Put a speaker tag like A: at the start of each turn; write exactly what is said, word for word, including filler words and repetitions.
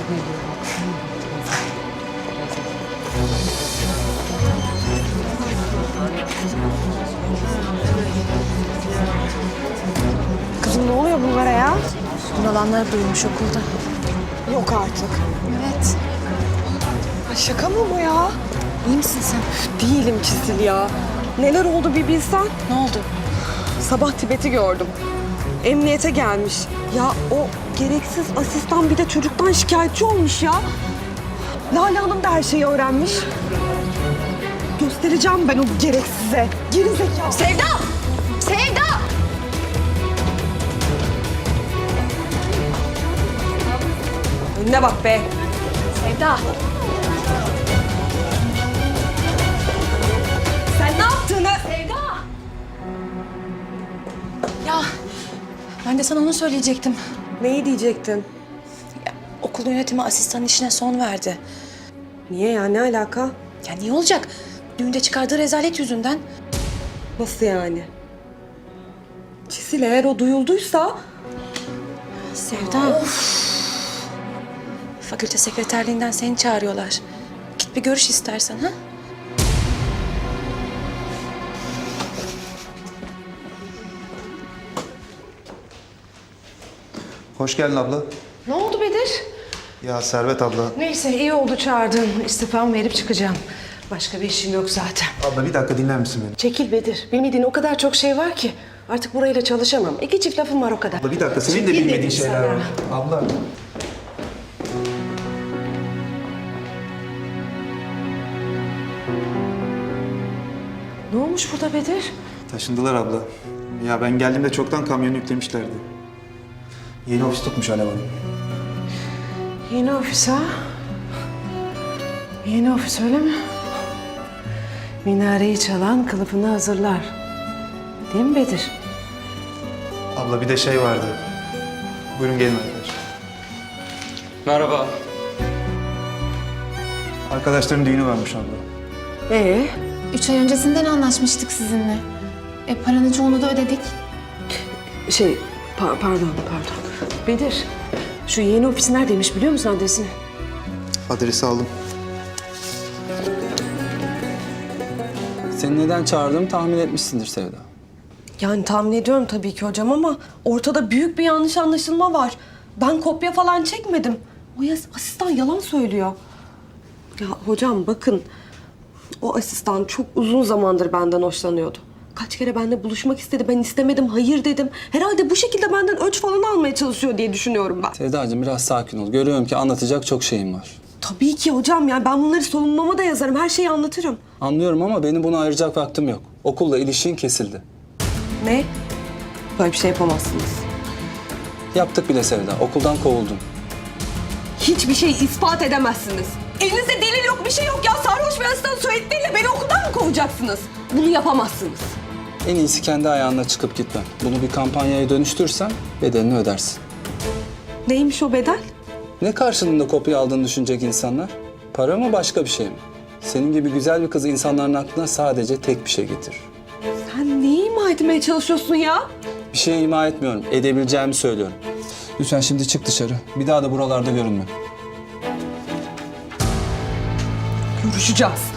A: Kızım ne oluyor bunlara ya?
B: Olanları duymuş okulda.
A: Yok artık.
B: Evet.
A: Ay şaka mı bu ya?
B: İyi misin sen?
A: Değilim Çisil ya. Neler oldu bir bilsen.
B: Ne oldu?
A: Sabah Tibet'i gördüm. Emniyete gelmiş. Ya o gereksiz asistan bir de çocuktan şikayetçi olmuş ya. Lale Hanım da her şeyi öğrenmiş. Göstereceğim ben o gereksize. Geri zekalı.
B: Sevda! Sevda!
A: Önüne bak be.
B: Sevda!
A: Sen ne yaptığını...
B: Sevda! Ya ben de sana onu söyleyecektim.
A: Neyi diyecektin?
B: Ya, okul yönetimi asistan işine son verdi.
A: Niye ya? Ne alaka?
B: Ya niye olacak? Düğünde çıkardığı rezalet yüzünden.
A: Nasıl yani? Çisil eğer o duyulduysa...
B: Sevda. Fakülte sekreterliğinden seni çağırıyorlar. Git bir görüş istersen ha?
C: Hoş geldin abla.
D: Ne oldu Bedir?
C: Ya Servet abla.
D: Neyse iyi oldu çağırdın. İstifamı verip çıkacağım. Başka bir işim yok zaten.
C: Abla bir dakika dinler misin beni?
D: Çekil Bedir. Bilmediğin o kadar çok şey var ki. Artık burayla çalışamam. İki çift lafım var o kadar.
C: Abla bir dakika senin de
D: Çekil
C: bilmediğin
D: dedim
C: şeyler
D: sana.
C: var. Abla.
D: Ne olmuş burada Bedir?
C: Taşındılar abla. Ya ben geldiğimde çoktan kamyonu yüklemişlerdi. Yeni ofis tutmuş Alev Hanım.
D: Yeni ofis ha? Yeni ofis öyle mi? Minareyi çalan kılıfını hazırlar. Değil mi Bedir?
C: Abla bir de şey vardı. Buyurun gelin arkadaşlar.
E: Merhaba.
C: Arkadaşların düğünü varmış abla.
D: Ee,
F: Üç ay öncesinden anlaşmıştık sizinle. E paranın çoğunu da ödedik.
D: şey pa- pardon pardon. Bedir, şu yeni ofis neredeymiş biliyor musun adresini?
C: Adresi aldım.
E: Seni neden çağırdığımı tahmin etmişsindir Sevda.
A: Yani tahmin ediyorum tabii ki hocam ama ortada büyük bir yanlış anlaşılma var. Ben kopya falan çekmedim. O yas- asistan yalan söylüyor. Ya hocam bakın, o asistan çok uzun zamandır benden hoşlanıyordu. Kaç kere benimle buluşmak istedi, ben istemedim, hayır dedim. Herhalde bu şekilde benden ölç falan almaya çalışıyor diye düşünüyorum ben.
E: Sevdacığım biraz sakin ol. Görüyorum ki anlatacak çok şeyim var.
A: Tabii ki hocam, yani ben bunları savunmama da yazarım, her şeyi anlatırım.
E: Anlıyorum ama benim buna ayıracak vaktim yok. Okulla ilişkin kesildi.
A: Ne? Böyle bir şey yapamazsınız.
E: Yaptık bile Sevda. Okuldan kovuldun.
A: Hiçbir şey ispat edemezsiniz. Elinizde delil yok, bir şey yok ya. Sarhoş bir asistan söyledikleriyle beni okuldan mı kovacaksınız? Bunu yapamazsınız.
E: En iyisi kendi ayağına çıkıp gitmen. Bunu bir kampanyaya dönüştürsen bedelini ödersin.
A: Neymiş o bedel?
E: Ne karşılığında kopya aldığını düşünecek insanlar? Para mı başka bir şey mi? Senin gibi güzel bir kız insanların aklına sadece tek bir şey getirir.
A: Sen neyi ima etmeye çalışıyorsun ya?
E: Bir şey ima etmiyorum. Edebileceğimi söylüyorum. Lütfen şimdi çık dışarı. Bir daha da buralarda görünme.
A: Görüşeceğiz.